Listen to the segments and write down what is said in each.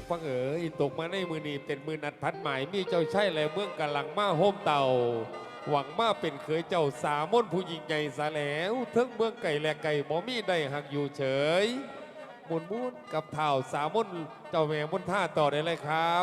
ฟังเอ๋ยตกมาในมือนีเป็นมือนัดพัดหมายมีเจ้าใช่และเมืองกำลังมาโฮมเต่าหวังมาเป็นเคยเจ้าสามนผู้หญิงใหญ่ซะแล้วทั้งเมืองไก่และไก่บ่มีได้หักอยู่เฉยมุนมุนกับเท่าสามนเจ้าแม่มนท่าต่อได้เลยครับ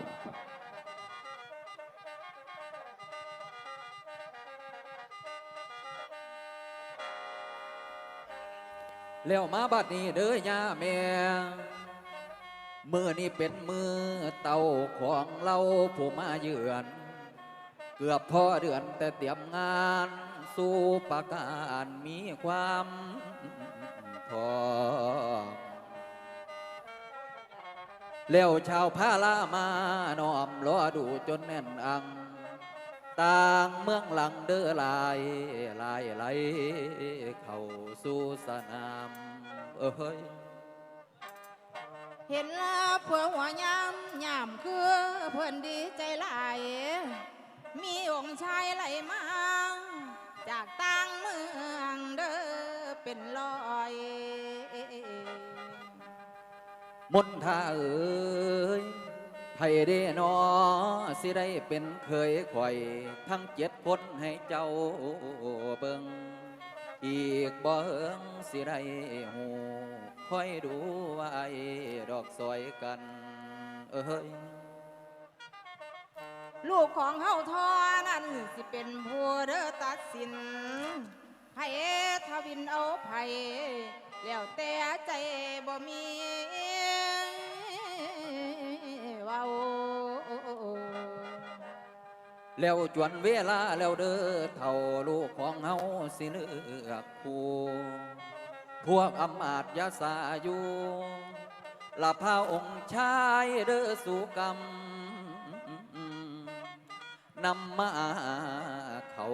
แล้วมาบัดนี้เด้อย่าแม่มือนี้เป็นมือเต่าของเราผู้มาเยือนเกือบพอเดือนแต่เตรียมงานสู่ประการมีความพร้อมแล้วชาวพาลามานอมรอดูจนแน่นอังต่างเมืองหลังเด้อลายไหลเข้าสู่สนามเอ้ยเห็นแล้วเพื่อหัวยำยำคือเพื่อนดีใจหลายมีองค์ชายไหลมาจากต่างเมืองเด้อเป็นลอยมนท่าเอ้ยไผเด้นอสิได้เป็นเคยข่อยทั้ง7 คนให้เจ้าเบิ่งอีกบ่เฮิงสิได้หูคอยดูไว้ดอกซอยกันเอ้ยลูกของเฮาทอนั้นสิเป็นผู้เด้อตัดสินไผทวินเอาไผแล้วแต่ใจบ่มีเว้าแล้วจวนเวลาแล้วเด้อเท่าลูกของเฮาสิเลือกคู่พวกอำมาตยาสาอยู่ละพาองค์ชายเด้อสู่กรรมนำมาเข้า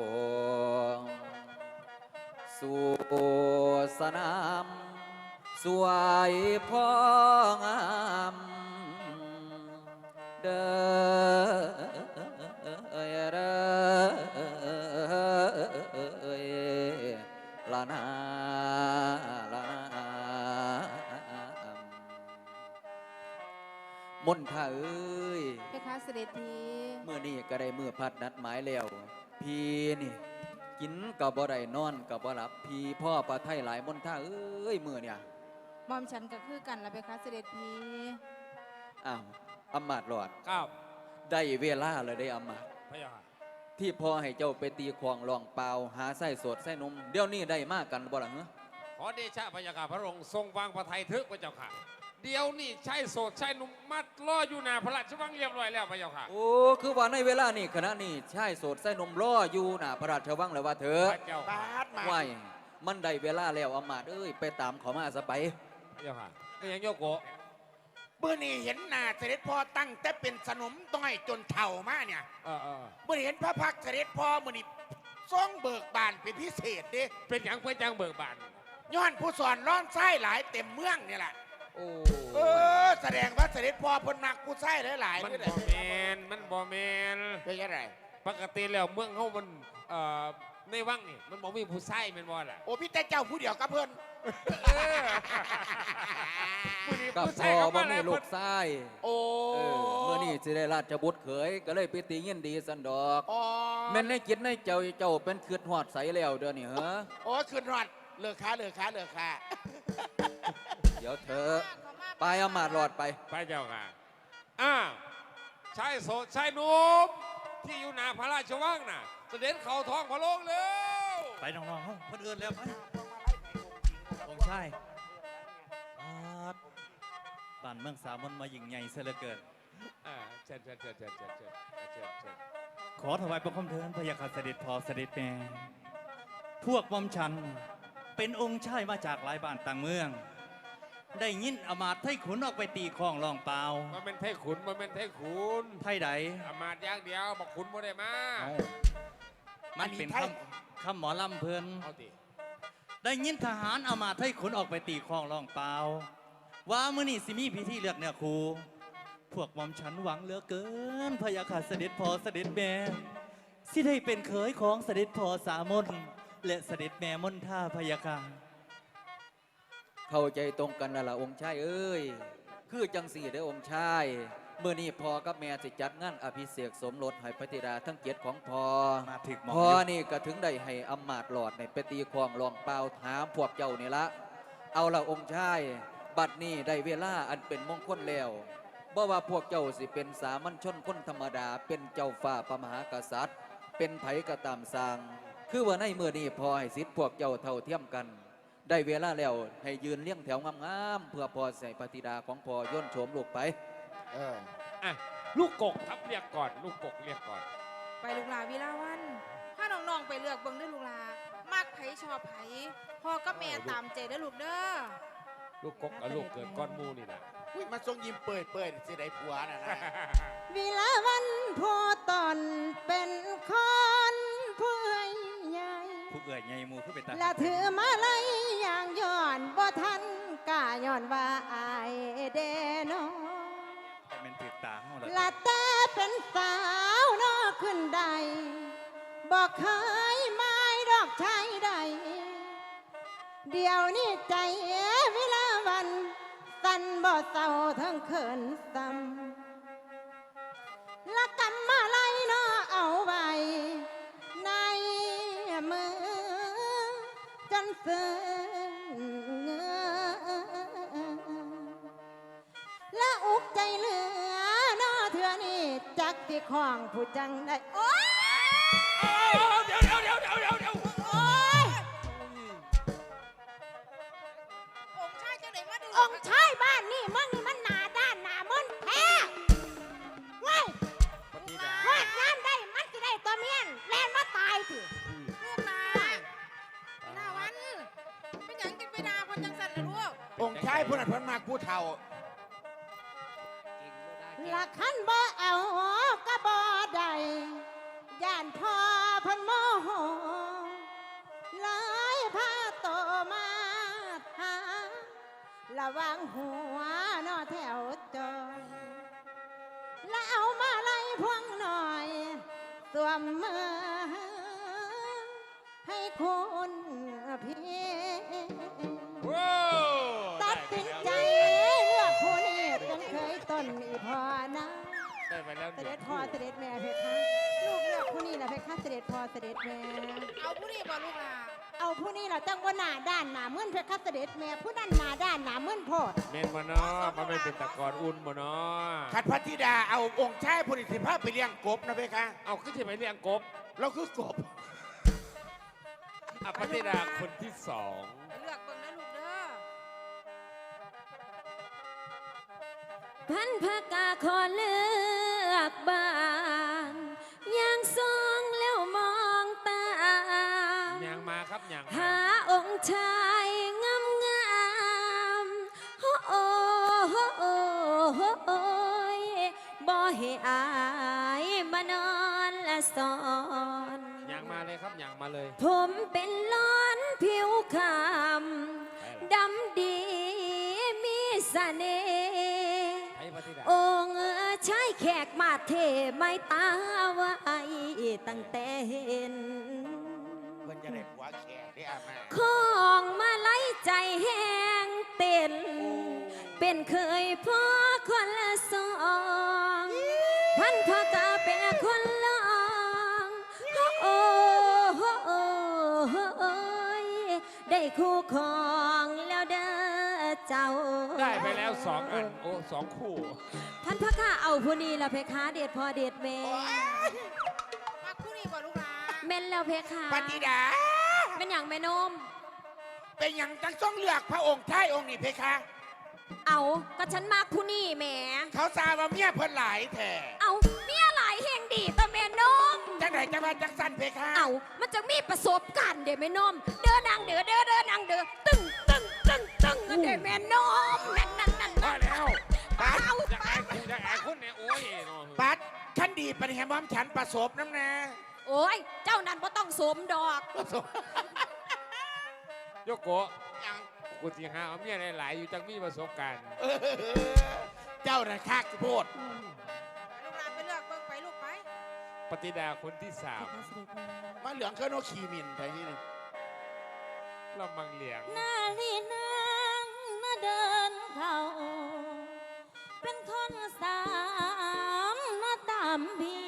สู่สนามสวยพ่องามเด้อละนาละนามนท่าเอ้ยเพคะเสด็จทีเมื่อนี้ก็ได้มือพัดนัดหมายแล้วพี่นี่กินกับบ่ได้นอนกับบ่หลับพี่พ่อปลาไทยหลายมนท่าเอ้ยมือเนี่ยมอมฉันก็คือกันละเพคะเสด็จทีอ้าวอำมาตย์หลอดครับได้เวลาเลยได้อำมาตย์พะยาค่ะที่พ่อให้เจ้าไปตีควงลองเปล่าหาไส้สดไส้นมเดี๋ยวนี้ได้มากกันบ่ล่ะเหรอขอเดชะพะยาค่ะพระองค์ทรงวางพระไทยทึกพระเจ้าค่ะเดี๋ยวนี่ใช่โสดใช่นุ่มมัดล่ออยู่หน้าพระราชวังเรียบร้อยแล้วพะเจ้าค่ะโอ้คือว่าในเวลานี้ขณะนี้ใช่โสดไส้นมล่ออยู่น่ะพระราชวังแล้วว่าเถอะพระเจ้าบาค่ะดมาว่ายมันได้เวลาแล้วอำมาตย์เอ้ยไปตามเขามาซะไปพระเจ้าค่ะไม่ยังโยกโกะเมื่อนี้เห็นหน้าเสด็จพ่อตั้งแต่เป็นสนมต้อยจนเฒ่ามาเนี่ยเมื่อนี้เห็นพระพักตร์เสด็จพ่อเมื่อนี้ทรงเบิกบานเป็นพิเศษดิเป็นอย่างเพื่อจังเบิกบานย้อนผู้สอนร้อนไส้หลายเต็มเมืองนี่แหละโอ้แสดงว่าเสด็จพ่อพนนักผู้ไส้หลายมันบ่แมนมันบ่แมนเป็นยังไงปกติแล้วเมืองเขามันในวังนี่มันบอกมีผู้ไส้เป็นบ่ล่ะโอ้พี่แต่เจ้าผู้เดียวกับเพื่อนกับพ่อบ่มีลูกไส้โอ้เมื่อนี้สิได้ราชบุตรเขยก็เลยไปตีเงินดีสันดอกแม่นในจิตในเจ้าเป็นคืดหอดใสแล้วเดี๋ยวนี้เหรอโอ้คืนหอดเลิกค้าเเดี๋ยวเธอไปอำมาตย์หลอดไปพระเจ้าค่ะชายโสดชายหนุ่มที่อยู่หน้าพระราชวังน่ะเสด็จเข้าท้องพระโรงแล้วไปน้องๆห้องคนอื่นแล้วไปองค์ชายบ้านเมืองสามนมายิ่งใหญ่เสียเหลือเกินเชิญขอถวายบังคมเทินพระยาคาเสด็จพ่อเสด็จแม่พวกมอมฉันเป็นองค์ชายมาจากหลายบ้านต่างเมืองได้ยินอมาตย์ไทขุนออกไปตีคลองลองเปล่ามันเป็นไทขุนไทใดอมาตย์อย่างเดียวบอกขุนบ่ได้มามันเป็นคำหมอลำเพลินได้ยินทหารอมาตย์ไทขุนออกไปตีคลองลองเปล่าว่ามื้อนี้สิมีพิธีเลือกเนื้อคู่พวกมอมฉันหวังเหลือเกินพระยาค่ะเสด็จพ่อเสด็จแม่สิได้เป็นเขยของเสด็จพ่อสามนและเสด็จแม่มนท่าพระยาค่ะเข้าใจตรงกันแล้วล่ะองค์ชายเอ้ยคือจังสี่เด้อองค์ชายเมื่อนี้พ่อกับแม่สิจัดงานอภิเษกสมรสให้พระธิดาทั้ง7ของพ่อมาถึกหมองพ่ออยู่นี่ก็ถึงได้ให้อำมาตย์หลอดในไปตีคลองลองเปล่าถามพวกเจ้านี่ละเอาละองค์ชายบัดนี้ได้เวลาอันเป็นมงคลแล้วบ่ว่าพวกเจ้าสิเป็นสามัญชนคนธรรมดาเป็นเจ้าฟ้าพระมหากษัตริย์ เป็นไผก็ตามสร้าง คือว่าในเมื่อนี้พอให้สิทธิ์พวกเจ้าเท่าเทียมกัน ได้เวลาแล้วให้ยืนเลี้ยงแถวงามๆเพื่อพอใส่ปฏิดาของพอย่นโฉมลูกไปอ่ะลูกกกครับเรียกก่อนลูกกกเรียกก่อนไปลูกหลาวิลาวันถ้าน้องๆไปเลือกเบิ่งเด้อลูกหลามักไผชอบไผพ่อกับแม่ตามใจเด้อลูกเด้อลูกกกกับลูกเกิดก้อนหมูนี่นะอุ้ยมาทรงยิ้มเปิดสิได้ผัวน่ะนะวิลาวันพ่อตอนเป็นคนผู้ใหญ่ผู้เอื่อยใหญ่หมูขึ้นไปตาและถือมาไล่อย่างย้อนบ่ทันกล้าย้อนว่าอายเดโนแต่เป็นถือตาเฮาแล้วละแต่เป็นสาวนอขึ้นใดบอกเคยไม่ดอกชายใด เดี๋ยวนี้ใจเวลาวันสั่นบ่เศร้าทั้งเขินซ้ำละกำมาไล่นอเอาไว้ในมือจนซึ้งเงอและอุกใจเหลือนอเถื่อนี่จักที่ของผู้จังได้โอ๊ยเดี๋ยวโอ๊ยองค์ชายจังไหนมาดูองค์ชายบ้านนี่มึงนี่มันหนาด้านหนามึนแท้เว้ยปฏิดาวาดงานได้มันจะได้ตัวเมียนแลนมาตายสิลูกนาหน้าวันเป็นหยังกินไปดาคนจังสันนะลูกองค์ชายผู้นั้นเพิ่นมากผู้เฒ่าละคันบ่เอาก็บ่ได้ย่านพ่อเพันโมโหเลยพาโตมาหาระวังหัวนอแถวจอยแล้วเอามาไล่พวงหน่อยสวมมือให้คุณพี่ว้าวตัดสินใจเลือกผู้นี้เป็นเคยต้นอีพอนะได้ไปแล้วเสด็จพ่อเสด็จแม่เพคะลูกเลือกผู้นี้แหละเพคะเสด็จพ่อเสด็จแม่เอาผู้นี้บ่ลูกล่ะเอาผู้นี้ล่ะจังว่าหน้าด้านหน้ามึนเพคะเสด็จแม่ผู้นั้นหน้าด้านหน้ามึนโพดเมนมาเนาะมันไม่เป็นตะกอนอุ่นมาเนาะขัดพระธิดาเอาองค์ชายผู้นี้สิพาไปเลี้ยงกบนะเพคะเอาขึ้นที่ไปเลี้ยงกบเราคือกบอ่ะปฏิดาคนที่สองเลือกเบิ่งนะลูกเด้อพันพกาขอเลือกบ้านอย่างทรงแล้วมองตามยางมาครับยางมาหาองค์ชายงามงามโอ้โอ้โอ้โอ้โอ้ยบ่ให้อายมานอนละสอนยางมาเลยครับยางมาเลยผมเป็นล้อนผิวคำดำดีมีเสน่ห์ไอ้ปฏิดาองค์ชายแขกมาเทไม่ตาไว้ตั้งแต่เห็นเพิ่นจะได้ผัวแขกได้อามาของมาไล่ใจแห้งเต้น เป็นเคยพ่อคนละสองพันพ่อกาเป็นคนลองโอ้โอ้โอ้โอ้ยได้คู่ครองแล้วเด้อเจ้าได้ไปแล้วสองอันโอ้สองคู่ท่านพระข้าเอาผู้นี้ละเพคะเดชพ่อเดชแม่มักผู้นี้บ่ลูกล่ะแม่นแล้วเพคะพระธิดาเป็นอย่างแม่นมเป็นอย่างจังต้องเลือกพระองค์ชายองค์นี้เพคะเอาก็ฉันมากผู้นี้แหม่เขาทราบว่าเมียเพิ่นหลายแท้เอาเมียหลายแห่งดีต่อแม่นมจังไหนจังว่าจังสั้นเพคะเอามันจะมีประสบการณ์เด้แม่นม เด้อนางเด้อเด้อเด้อนางเด้อตึ้งตึ้งตึ้งตึ้งเด้แม่นมนั่นนั่นนั่นพอแล้วปัดเอาจะไอ้คุณจะไอ้คุณเนี่ยโอ้ยเนาะปัดขันดีปฏิแหมอมฉันประสบน้ำนะโอ้ยเจ้านั่นบ่ต้องสวมดอกประสบโยโกะยังกูสิหาเอาเมียหลายๆอยู่จังมีประสบการณ์เออเจ้าน่ะคักโพดลูกหลานไปเลือกเบิ่งไปลูกไปปฏิดาคนที่สามมาเหลืองเครื่องโนขีมินไปที่นี่เรามังเหลียงนาลีนางมาเดินเข้าเป็นคนสามนาตามพี่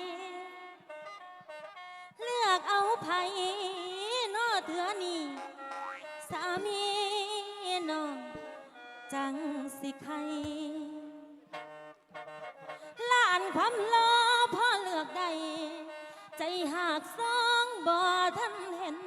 เลือกเอาไผนอเถือนี่สามีน้องจังสิใครล้านความรอพ่อเลือกใดใจหากสองบ่ทันเห็น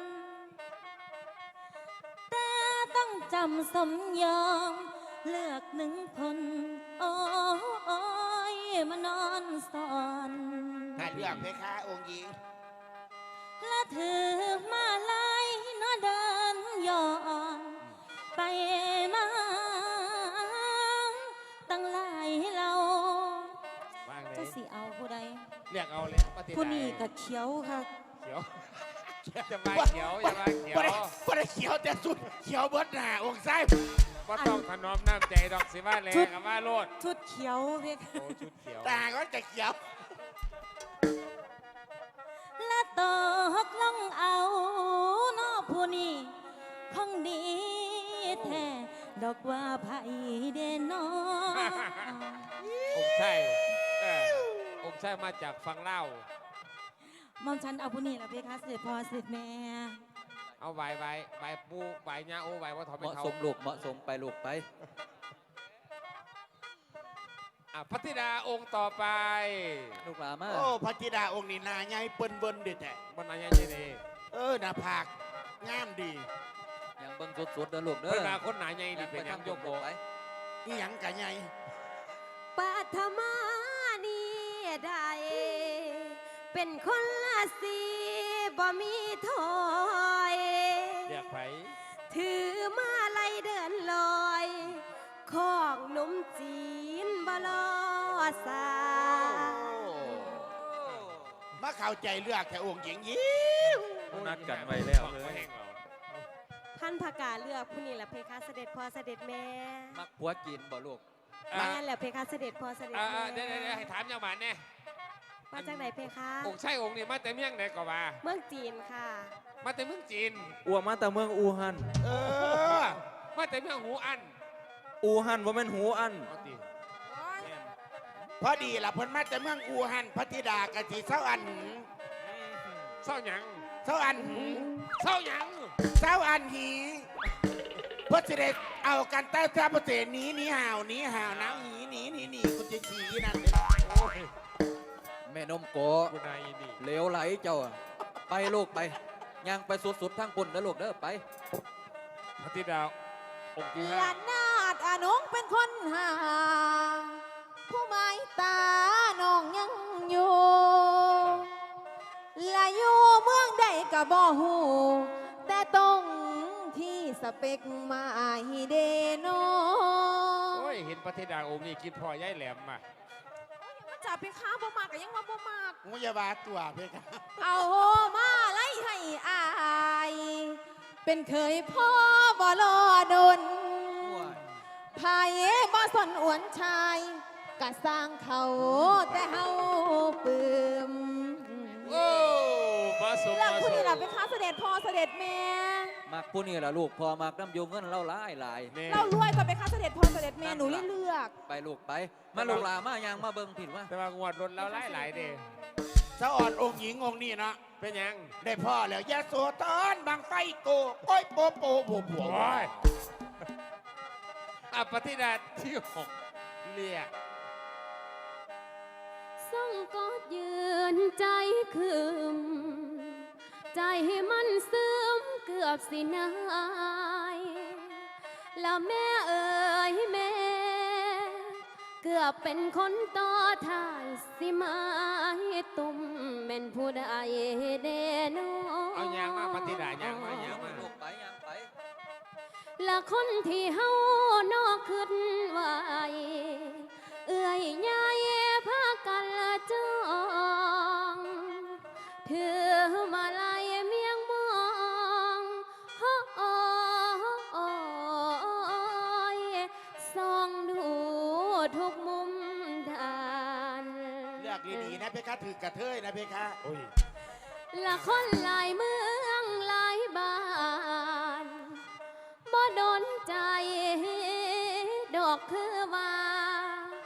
แต่ต้องจำสมยอมเลือกหนึ่งคนโอ้ยมานอนสอนถ้าเลือกเพคะองค์หญิงและถือมาลายนอเดินย้อนไปมาตั้งหลายเราว่างเลเจ้าย สิเอาผู้ใดเรียกเอาเลยปฏิผู้นี้ก็เขียวค่ะเขียวจะมาเขียวจะมาเขียวบ่ได้เขียวแต่สุดเขียวเบิดหน้าองค์ไส้ก็ต้องถนอมน้ำใจดอกสิว่าแรงกับว่าโลดชุดเขียวเพียโอ้ชุดเขียวตาก็จะเขียวและตกลงเอานอผู้นี้คงดีแท้ดอกว่าไผเดนอองค์ใช่องค์ใช่มาจากฟังเล่ามอมฉันเอาผู้นี้ละเพคะเสด็จพ่อเสด็จแม่เอาใบปูใบญาโอใบว่าถอดเหเป็นมาะเขาสมลูกเหมาะสมไปลูกไปพัทธิดาองค์ต่อไปลูกหลามาโอ้พระธิดาองค์นี่หนาใหญ่เปิ้นเบิ้นเด็ดแท้บนอายาเจเนหน้าผากงามดียังเบิ่งสุดๆเด้อลูกเด้เวอลาคนหนาใหญ่นี่เป็นยังโยกโบไปนี่หยังกะใหญ่ปัทมานี่ได้เป็นคนละสีบ่มีถอยเรียกไผถือมาไล่เดินลอยของหนุ่มจีนบลอสามาเข้าใจเลือกแต่องค์หญิงยิ้วนัดกันไว้แล้วเลยท่านพากาเลือกผู้นี้แหละเพคะเสด็จพ่อเสด็จแม่มักผัวกินบ่ลูกแม่นแหละเพคะเสด็จพ่อเสด็จแม่เดี๋ยวให้ถามยังหวานเนี่ยมาจากไหนเพคะองค์ใช่องค์นี่มาแต่เมี่ยงไหนก็ว่าเมืองจีนค่ะมาแต่เมืองจีนอัวมาแต่เมืองอูฮันมาแต่เมืองหูอันอูฮันว่าเป็นหูอันเอาติพอดีล่ะเพิ่นมาแต่เมืองอูฮันพระธิดากะสิเศร้าอันเศร้าหยังเศร้าอันเศร้าหยังเศร้าอันหีเพื่อจะได้เอากันใต้ท่าประเสหนีห่าวน้ำหนีกูจะขี่นั่นเลยแม่นมโกคุณนายนี่เหลวไหลเจ้าอะไปลูกไปย่างไปสุดๆทางปุ่นเด้อลูกเด้อไปพัทธิดาองค์ที่หห้าลานนาดอานงเป็นคนหา ผู้หมายตาน้องยังอยู่และอยู่เมืองใดก็บ่ฮู้แต่ตรงที่สเปกมาให้เดโนโอ้ยเห็นพัทธิดาองค์นี้คิดพอย่ายแหลมมาจ่าไปค้าบ่มากก็ยังว่าบ่มากงูยาบาตัวเพคะเอาโหมาไล่ให้อาย เป็นเคยพ่อบ่รอดนพายบ่สนอวนชายกะสร้างเขาแต่เฮาปืมโอ้มาสมเรื่องมาผู้สนี้มล่ะเป็นค้าเสด็จพ่อเสด็จแม่มักผู้นี้ล่ะลูกพอมักน้ำโยงเงินเล่าหลายหลายเนี่ยเรารวยก็เป็นค้าเสด็จพ่อเสด็จแม่หนูเลือกไปลูกไป มาลูกหลามาย่างมาเบิ่งผิดว่าแต่ว่างวดรถแล้วหลายๆเด้เศร้าอ่อนองค์หญิงองค์นี้เนาะเป็นหยังได้พ่อแล้วยาโสตอนบางไฟโกโอ้ยโปโปโผล่โอ้ยพัทธิดาที่หกเรียกส่งกอดยืนใจคืมใจให้มันซึมเกือบสินายและแม่เอ๋ยแม่ เกือบเป็นคนต่อท้ายสิไม้ตุ่มเป็นผู้ใดเดโนเอายางมาพัทธิดายางมาลูกไปย่างไปและคนที่เฮานอกขึ้นไว้เอื่อยยายพากันละจองถือมาลายเมียงมองโอยส่องดูทุกมุมด้านเลือกดีๆนะเพคะถือกระเทยนะเพคะโอ้ยละคนหลายเมืองหลายบ้านบ่โดนใจ ดอกคือว่า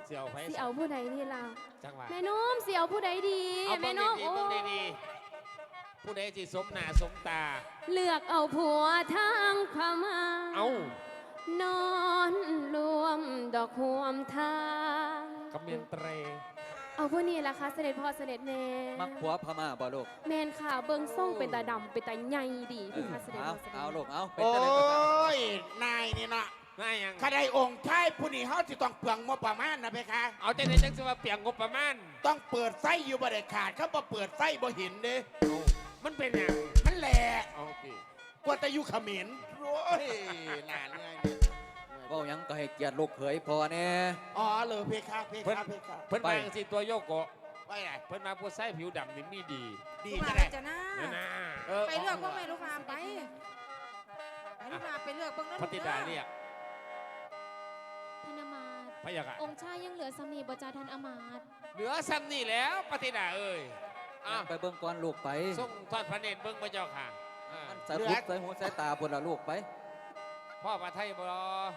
เสี่ยวไผสิเอาผู้ใดดีล่ะจังหวะแม่นมสิเอาผู้ใดดีเอาแม่เบิ่งนมดีๆโอ้เบิ่งดีๆผู้ใดสิสมหน้าสมตาเลือกเอาผัวทางพม่าเอานอนรวมดอกหวมทางกำเมียนเตรเอาผู้นี้ล่ะคะเสด็จพ่อเสด็จแม่มักผัวพม่าบ่ลูกแมนค่ะเบิ่งส่งเป็นตาดำเป็นตาใหญ่ดีพี่คะเสด็จเอาพ่อเสด็จเอาแม่ลูกเอาเป็นโอ้จังได๋ก็ตามยนายนี่เนาะง่ายยังข้าได้องค์ชายผู้นี้เขาจะต้องเปลืองงบประมาณนะเพคะเอาใจในจังสิว่าเปียงงบประมาณต้องเปิดไส้อยู่บ่ได้ขาดเขาบ่เปิดไส้บ่เห็นเด้เอามันเป็นหยังมันแหละเอาสิกว่าแต่อยู่เขมรโอ้ยนานไงเนี่ยเว้าหยังก็ให้เกียรติลูกเขยพอแน่อ๋อเลยเพคะเพเพิ่นคะเพคะเพิ่นไปมาจังสิตัวโยโกะไปไหนเพิ่นมาผู้ใส่ผิวดำนี่มีดีดีลูกจะหได้ลานจะหน้านะนะไปเลือกพวกแม่ลูกหลานไปลูกหลานไปเลือกเบิ่งแล้วพระธิดาเรียกท่านอามาตย์พระยาค่ะองค์ชายยังเหลือสามีบ่จ้าท่านอามาตย์เหลือซ้ำนี่แล้วพระธิดาเอ้ยอ้าวไปเบิ่งก่อนลูกไปส่งทอดพระเนตรเบิ่งพระเจ้าค่ะอ่าใส่พุกใส่หูใส่ตาพุ่นละลูกไปพ่อพระไทยบ่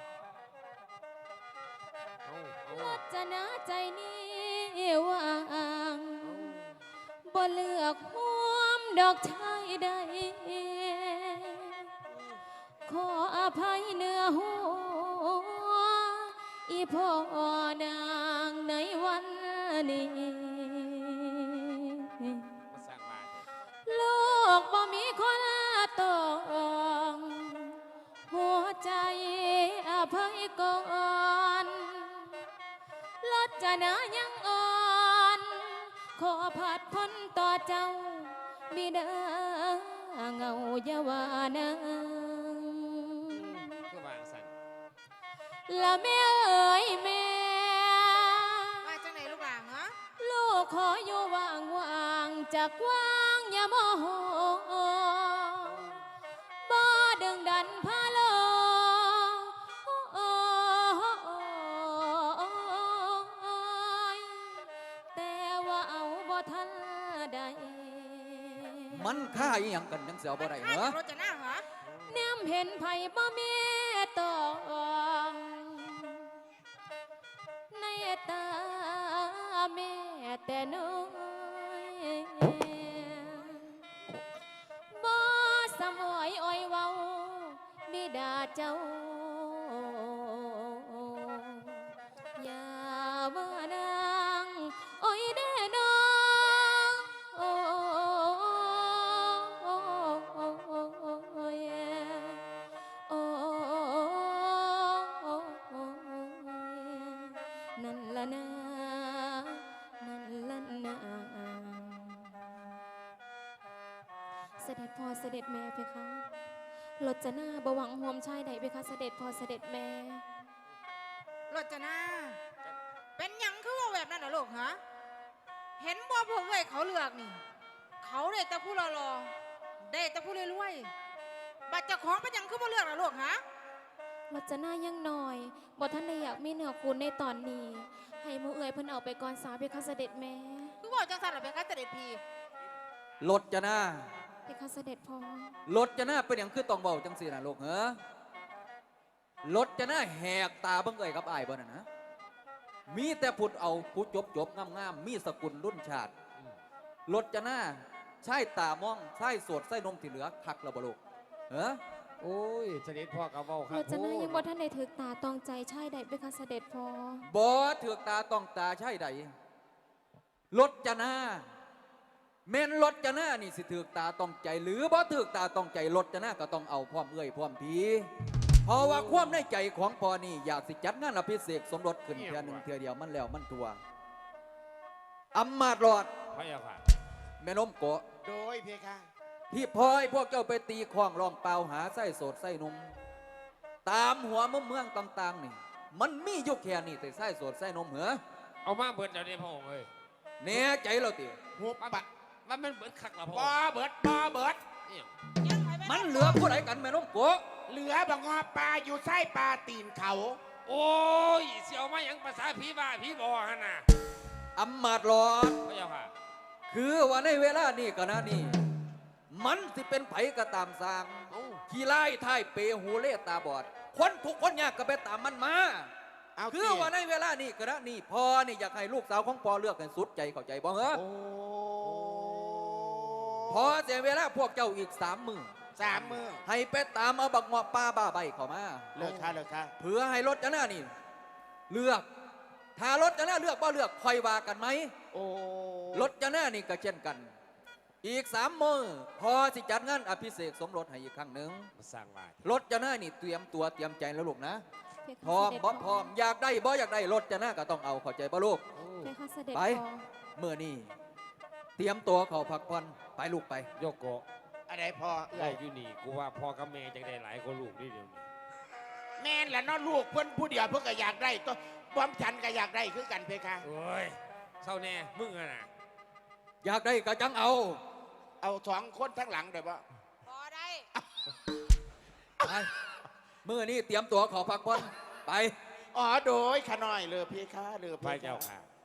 เอาลดจะนะใจนี้ว่างบ่เลือกห่วมดอกชายใด ขออภัยเนื้อหัวอีพ่อนางในวันนี้มาสร้างบ้านลูกบ่มีคนตองหัวใจอภัยก่อนลดจะนายังอ่อน ขอผัดพ้นต่อเจ้าบิดาเงาเยาวานางคือวางสันละแม่เอ๋ยแม่มาจังไหนลูกหลานเหรอลูกขออยู่ว่างๆจากว่างอย่าโมโหบ่ดึงดันพาโลแต่ว่าเอาบ่ทันใดมันค่าอีหยังกันจังสิเอาบ่ได้ข้าเหรอจะรถจะหน้าเหรอแนมเห็นไผบ่แม่ตองในตาแม่แต่น้อยบ่สมอยอ้อยเว้าบิดาเจ้า อย่าว่านางอ้อยแน่นอนโอ้ยโอ้นั่นละนะนั่นละนะเสด็จพ่อเสด็จแม่เพคะรจนาบหวังห่วมชายใดเพคะเสด็จพ่อเสด็จแม่รถจะหน้าเป็นหยังคือว่าแบบนั้นเหรอลูกฮะเห็นบ่พวกเว้ยเขาเลือกนี่ เขาได้แต่ผู้รอๆได้แต่ผู้รวยๆบัตรเจ้าของเป็นหยังคือบ่เลือกเหรอลูกฮะรจนายังหน่อยบ่ท่านได้อยากมีเนื้อคูณในตอนนี้ ให้หมูเอ๋ยเพิ่นเอาไปก่อนสาเพคะเสด็จแม่คือบอกจังสันเหรอเป็นข้าเสด็จพีรถจะหน้าเพคะเสด็จพ่อรถจะหน้าเป็นหยังคือต้องเว้าจังสิน่ะลูกเหรอรถจะหน้าแหกตาเบิ่งเอ้ยกับอ้ายบ่น่ะนะมีแต่พูดเอาผู้จบงามๆมีสกุลรุ่นชาติรถจะหน้าใช่ตามองใช่สวดใส่นมที่เหลือคักแล้วบ่ลูกเหรอโอ้ยเสด็จพ่อกับเว้าครัรบจนายังบ่ท่านได้ถึกตาตองใจชายใดเพคะเสด็จพ่อบ่เถือกตาต้องตาใช่ใดรถจะหน้าแม่นรถจะหน้านี่สิถือกตาต้องใจ หรือบ่ถือกตาต้องใจรถจะหน้าก็ต้องเอาพร้อมเอ้ยพร้อมพีเพราะว่าความในใจของพ่อนี่อยากสิจัดงานอภิเษกสมรสขึ้นเทื่อหนึ่งเทื่อเดียวมันแล้วมันทัวอำมาตย์หลอดพระยาค่ะแม่นมโกะโดยเพคะที่พอยพวกเจ้าไปตีคล้องร้องเปล่าหาไส้โสดไส้นมตามหัวมุมเมืองต่างๆนี่มันมีอยู่แค่นี้แต่ไส้โสดไส้นมเหรอเอามาเบิดเดี๋ยวนี้พระองค์เอ้ยแน่ใจเราติหุบปะว่ามันเบิดคักละพระบองอค์เบิดบอเบิดเนี่ยมันเหลือผู้ใดกันแม่นมโกะเหลือบงอปลาอยู่ไส้ปลาตีนเขาโอ้ยเสียวมาหยังภาษาผีบ้าผีบอฮะน่ะอำมาตย์หลอดพระยาค่ะคือว่าในเวลานี้ก็นะนี่มันสิเป็นไผก็ตามสร้างเอ้าขี้ไล่ท้ายเปหูเล่ตาบอด คนทุกคนยากก็ไปตามมันมาเอาคือสิว่าในเวลานี้กระนี่พ่อนี่อยากให้ลูกสาวของพ่อเลือกให้สุดใจเข้าใจบ่เหรอโอ้พอเสียเวลาพวกเจ้าอีก3 มื้อ 3 มื้อให้ไปตามเอาบักเงาะป้าบ้าใบเข้ามาเลิกค่ะเลิกค่ะเพื่อให้รถจะหน้านี่เลือกถ้ารถจะหน้าเลือกบ่เลือกคอยว่ากันไหมโอ้รถจะหน้านี่ก็เช่นกัน อีก3 มื้อพอสิจัดงานอภิเษกสมรสให้อีกครั้งหนึ่งมาสร้างบ้านรถจะหน้านี่เตรียมตัวเตรียมใจแล้วลูกนะเพคะพร้อมเสด็จบ่พร้อมอยากได้บ่อยากได้รถจะหน้าก็ต้องเอาเข้าใจบ่ลูกเพคะเสด็จไปพ่อเมื่อนี้เตรียมตัวเข้าพักผ่อนไปลูกไปโยโกะอะไรพอเอ้ยอยู่นี่กูว่าพ่อกับแม่จังได้หลายคนลูกนี่เดี๋ยวนี้แม่นแหละเน้องลูกเพิ่นผู้เดียวเพิ่นก็อยากได้ตัวบอมฉันก็อยากได้คือกันเพคะโอ้ยเศร้าแน่มึงอะน่ะอยากได้ก็จังเอาเอา2 คนทั้งหลังเดี๋ยวบ่พอได้ไปเมื่อนี้เตรียมตัวเข้าพักผ่อนไปอ๋อโดยขะน้อยเลยเพคะเลยเพพระคะเจ้าค่ะเ